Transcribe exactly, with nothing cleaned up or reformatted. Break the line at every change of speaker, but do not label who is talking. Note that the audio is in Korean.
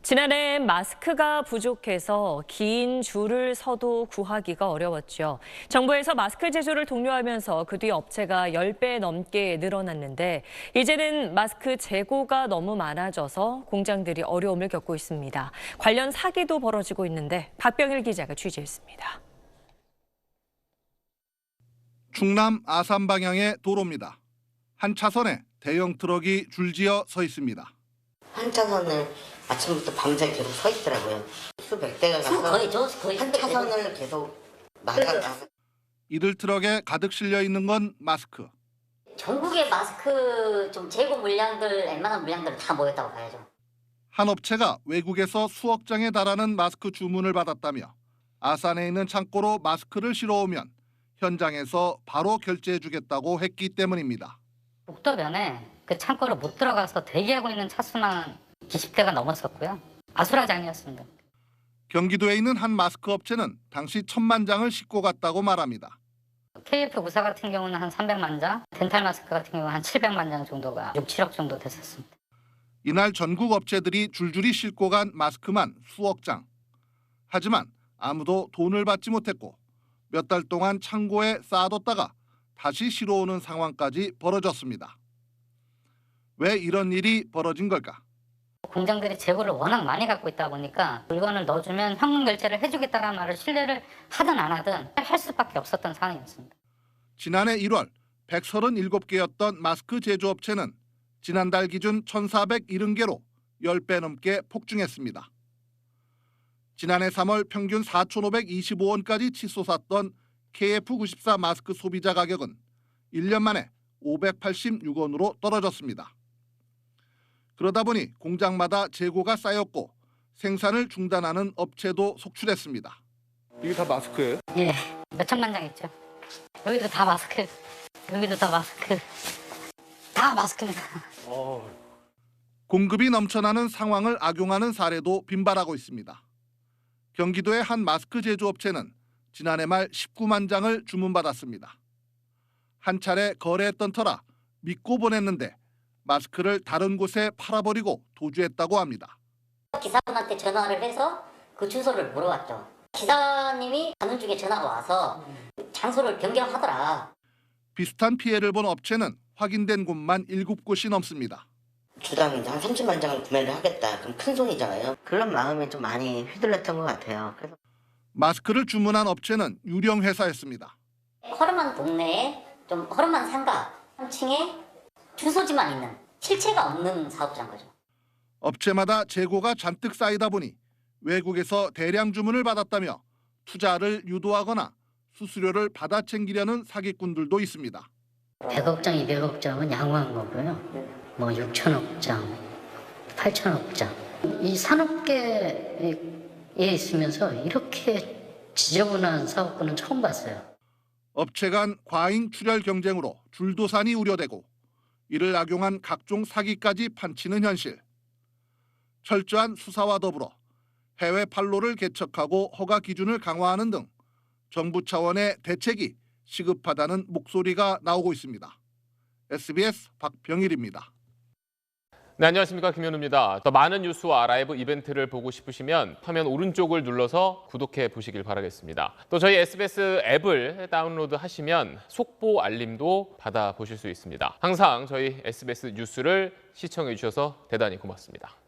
지난해 마스크가 부족해서 긴 줄을 서도 구하기가 어려웠죠. 정부에서 마스크 제조를 독려하면서 그 뒤 업체가 십 배 넘게 늘어났는데 이제는 마스크 재고가 너무 많아져서 공장들이 어려움을 겪고 있습니다. 관련 사기도 벌어지고 있는데 박병일 기자가 취재했습니다.
충남 아산 방향의 도로입니다. 한 차선에 대형 트럭이 줄지어 서 있습니다.
한 차선을 아침부터 밤새 계속 서 있더라고요. 수백 대가 가서
거의 저 거의
한 차선을 계속 나가가.
이들 트럭에 가득 실려 있는 건 마스크.
전국의 마스크 좀 재고 물량들, 웬만한 물량들 다 모였다고 봐야죠.
한 업체가 외국에서 수억 장에 달하는 마스크 주문을 받았다며 아산에 있는 창고로 마스크를 실어오면 현장에서 바로 결제해주겠다고 했기 때문입니다.
목도면에 그 창고로 못 들어가서 대기하고 있는 차수만 이십 대가 넘었었고요. 아수라장이었습니다.
경기도에 있는 한 마스크 업체는 당시 천만 장을 싣고 갔다고 말합니다.
케이에프 구사 같은 경우는 한 삼백만 장, 덴탈 마스크 같은 경우는 한 칠백만 장 정도가 육, 칠억 정도 됐었습니다.
이날 전국 업체들이 줄줄이 싣고 간 마스크만 수억 장. 하지만 아무도 돈을 받지 못했고 몇 달 동안 창고에 쌓아뒀다가 다시 실어오는 상황까지 벌어졌습니다. 왜 이런 일이 벌어진 걸까?
공장들이 재고를 워낙 많이 갖고 있다 보니까 물건을 넣어주면 현금 결제를 해주겠다는 말을 신뢰를 하든 안 하든 할 수밖에 없었던 상황이었습니다.
지난해 일월 백삼십칠 개였던 마스크 제조업체는 지난달 기준 천사백칠십 개로 십 배 넘게 폭증했습니다. 지난해 삼월 평균 사천오백이십오 원까지 치솟았던 케이에프 구십사 마스크 소비자 가격은 일 년 만에 오백팔십육 원으로 떨어졌습니다. 그러다 보니 공장마다 재고가 쌓였고 생산을 중단하는 업체도 속출했습니다.
이게 다 마스크예요?
예, 몇 천만 장 있죠. 여기도 다 마스크, 여기도 다 마스크, 다 마스크입니다.
어...
공급이 넘쳐나는 상황을 악용하는 사례도 빈발하고 있습니다. 경기도의 한 마스크 제조업체는 지난해 말 십구만 장을 주문받았습니다. 한 차례 거래했던 터라 믿고 보냈는데 마스크를 다른 곳에 팔아버리고 도주했다고 합니다.
기사분한테 전화를 해서 그 주소를 물어봤죠. 기사님이 가는 중에 전화가 와서 장소를 변경하더라.
비슷한 피해를 본 업체는 확인된 곳만 일곱 곳이 넘습니다.
주당 한 삼십만 장을 구매를 하겠다. 그럼 큰 손이잖아요. 그런 마음에 좀 많이 휘둘렸던 것 같아요. 그래서
마스크를 주문한 업체는 유령 회사였습니다.
허름한 동네에 좀 허름한 상가 한 층에 주소지만 있는 실체가 없는 사업자인 거죠.
업체마다 재고가 잔뜩 쌓이다 보니 외국에서 대량 주문을 받았다며 투자를 유도하거나 수수료를 받아 챙기려는 사기꾼들도 있습니다.
백억 장, 이백억 장은 양호한 거고요. 뭐 육천억 장, 팔천억 장. 이 산업계에 있으면서 이렇게 지저분한 사업꾼은 처음 봤어요.
업체 간 과잉 출혈 경쟁으로 줄도산이 우려되고 이를 악용한 각종 사기까지 판치는 현실. 철저한 수사와 더불어 해외 판로를 개척하고 허가 기준을 강화하는 등 정부 차원의 대책이 시급하다는 목소리가 나오고 있습니다. 에스비에스 박병일입니다.
네, 안녕하십니까. 김현우입니다. 더 많은 뉴스와 라이브 이벤트를 보고 싶으시면 화면 오른쪽을 눌러서 구독해 보시길 바라겠습니다. 또 저희 에스비에스 앱을 다운로드 하시면 속보 알림도 받아보실 수 있습니다. 항상 저희 에스비에스 뉴스를 시청해 주셔서 대단히 고맙습니다.